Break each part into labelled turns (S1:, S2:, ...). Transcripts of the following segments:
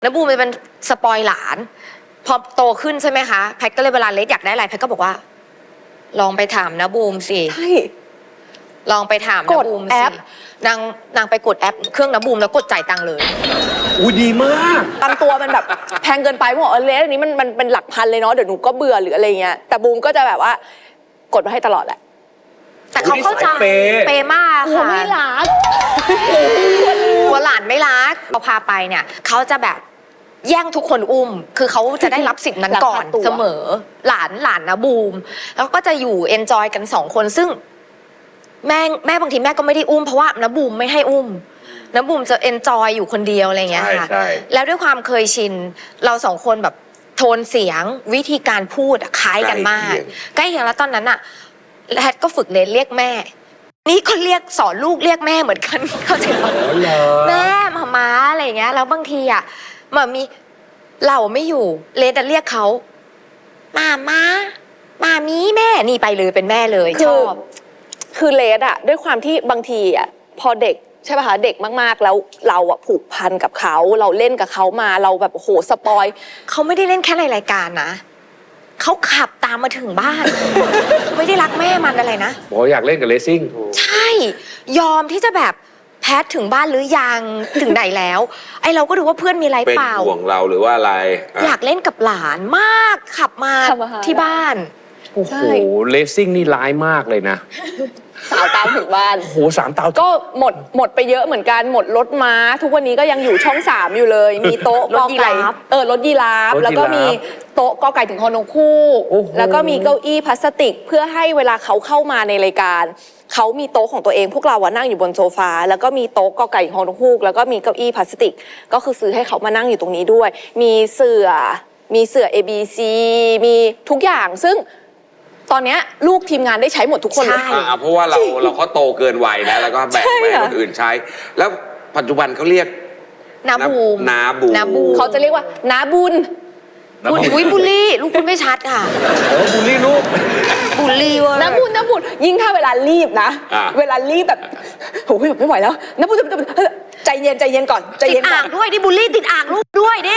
S1: แล้วบูมเป็นสปอยหลานพอโตขึ้นใช่ไหมคะแพทก็เลยเวลาเลสอยากได้อะไรแพทก็บอกว่าลองไปถามนะบูมสิ
S2: ใช่
S1: ลองไปถามนะบูมสินางไปกดแอปเครื่องนะบูมแล้วกดจ่ายตังค์เลย
S3: อุ้ยดีมาก
S2: บางตัวมันแบบแพงเกินไปบอกเลสอันนี้มันเป็นหลักพันเลยเนาะเดี๋ยวหนูก็เบื่อหรืออะไรเงี้ยแต่บูมก็จะแบบว่ากดมาให้ตลอดแหละ
S1: แต่เขาเข้าใจเปมากค่ะ
S2: ไม่รัก
S1: หัวหลานไม่รักเราพาไปเนี่ยเขาจะแบบแย่งทุกคนอุ้มคือเขาจะได้รับสิทธิ์นั้นก่อนเสมอหลานนะบูมแล้วก็จะอยู่เอนจอยกัน2 คนซึ่งแม่บางทีแม่ก็ไม่ได้อุ้มเพราะว่านะบูมไม่ให้อุ้มนะบูมจะเอนจอยอยู่คนเดียวอะไรเงี้ยค่ะแล้วด้วยความเคยชินเรา2 คนแบบโทนเสียงวิธีการพูดคล้ายกันมากใกล้เคียงแล้วตอนนั้นอะแพทก็ฝึกเรียกแม่นี่ก็เรียกสอนลูกเรียกแม่เหมือนกันเข้าใจไหมแม่มาอะไรอย่างเงี้ยแล้วบางทีอ่ะมันมีเราไม่อยู่เลสเรียกเขามามีแม่นี่ไปเลยเป็นแม่เลยชอบ
S2: คือเลสอ่ะด้วยความที่บางทีอ่ะพอเด็กใช่ป่ะคะเด็กมากๆแล้วเราอ่ะผูกพันกับเขาเราเล่นกับเขามาเราแบบโหสปอย
S1: เขาไม่ได้เล่นแค่ในรายการนะเขาขับตามมาถึงบ้าน ไม่ได้รักแม่มันอะไรนะ
S3: บอกอยากเล่นกับเลซิ่ง
S1: ใช่ยอมที่จะแบบแพทถึงบ้านหรือยังถึงไหนแล้วไอเราก็ดูว่าเพื่อนมีอะไรเปล่า
S3: เป็นห่วงเราหรือว่าอะไร
S1: อยากเล่นกับหลานมากขับมาที่บ้าน
S3: โอ้โหเลซิ่งนี่ร้ายมากเลยนะ
S2: สาวตามถึงบ้าน
S3: โอ้โห3 ตาม
S2: ก็หมดไปเยอะเหมือนกันหมดรถม้าทุกวันนี้ก็ยังอยู่ช่อง3อยู่เลยมีโต๊ะกอไก่รถยีราฟแล้วก็มีโต๊ะกอไก่ถึงฮอนกคู่แล้วก็มีเก้าอี้พลาสติกเพื่อให้เวลาเขาเข้ามาในรายการเขามีโต๊ะของตัวเองพวกเรานั่งอยู่บนโซฟาแล้วก็มีโต๊ะกอไก่ฮอนกคู่แล้วก็มีเก้าอี้พลาสติกก็คือซื้อให้เขามานั่งอยู่ตรงนี้ด้วยมีเสื่อABC มีทุกอย่างซึ่งตอนนี้ลูกทีมงานได้ใช้หมดทุกคนเลย
S3: เพราะว่าเราเขาโตเกินวัยนะแล้วก็แบ่งไปให้คนอื่นใช้แล้วปัจจุบันเขาเรียก
S1: นาบูม
S2: เขาจะเรียกว่านาบุญ
S1: บุลลี่ลูกคุณไม่ชัดค่ะ
S3: บูลลี่ลูก
S1: บุลลี่ว่ะ
S2: นาบุญยิ่งถ้าเวลารีบนะเวลารีบแบบโอ้ยไม่ไหวแล้วนาบุญใจเย็นก่อนใจเย็น
S1: อ่างด้วยดิบุลลี่ติดอ่างลูกด้วยดิ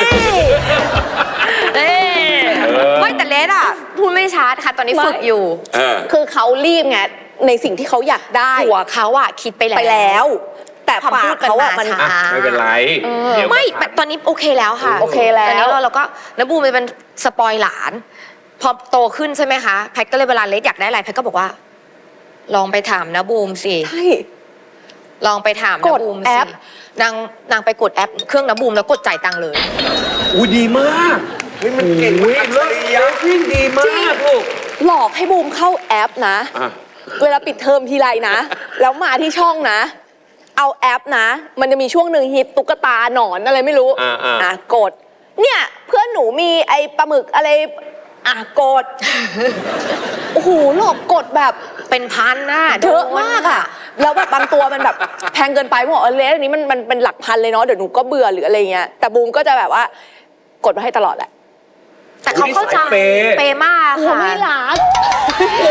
S1: ไม่แต่เลสอ่ะพูดไม่ชัดค่ะตอนนี้ฝึกอยู่
S2: คือเขารีบไงในสิ่งที่เขาอยากได้
S1: หัวเขาอ่ะคิดไปแล้ว
S2: แต่ปากเขาอ่ะมัน
S3: ไม่เป็นไร
S1: ไม่ตอนนี้โอเคแล้วค่ะ
S2: โอเคแล้ว
S1: ตอนนี้เราก็นะบูมเป็นสปอยหลานพอโตขึ้นใช่ไหมคะแพทก็เลยเวลาเลสอยากได้อะไรแพทก็บอกว่าลองไปถามนะบูมสิ
S2: ใช่
S1: ลองไปถามนะบูมสินางไปกดแอปเครื่องนะบูมแล้วกดจ่ายตังค์เลย
S3: อุ้ยดีมากมันเก่งมากเลยยิ่งดีมากลูก
S2: หลอกให้บูมเข้าแอปนะเวลาปิดเทอมทีไรนะแล้วมาที่ช่องนะเอาแอปนะมันจะมีช่วงหนึ่งฮิตตุ๊กตาหนอนอะไรไม่รู้กดเนี่ยเพื่อนหนูมีไอ้ปลาหมึกอะไรกดโอ้โหหลอกกดแบบ
S1: เป็นพันน่ะ
S2: เยอะมากอ่ะแล้วแบบบางตัวมันแบบแพงเกินไปบอกเลสอันนี้มันเป็นหลักพันเลยเนาะเดี๋ยวหนูก็เบื่อหรืออะไรเงี้ยแต่บูมก็จะแบบว่ากดมาให้ตลอดแหละ
S1: แต่เขาเข้าใจเปมากค่ะ
S2: ไม่รัก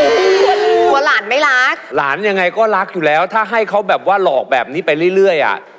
S1: หัวหลานไม่รัก
S3: หลานยังไงก็รักอยู่แล้วถ้าให้เขาแบบว่าหลอกแบบนี้ไปเรื่อยๆอ่ะ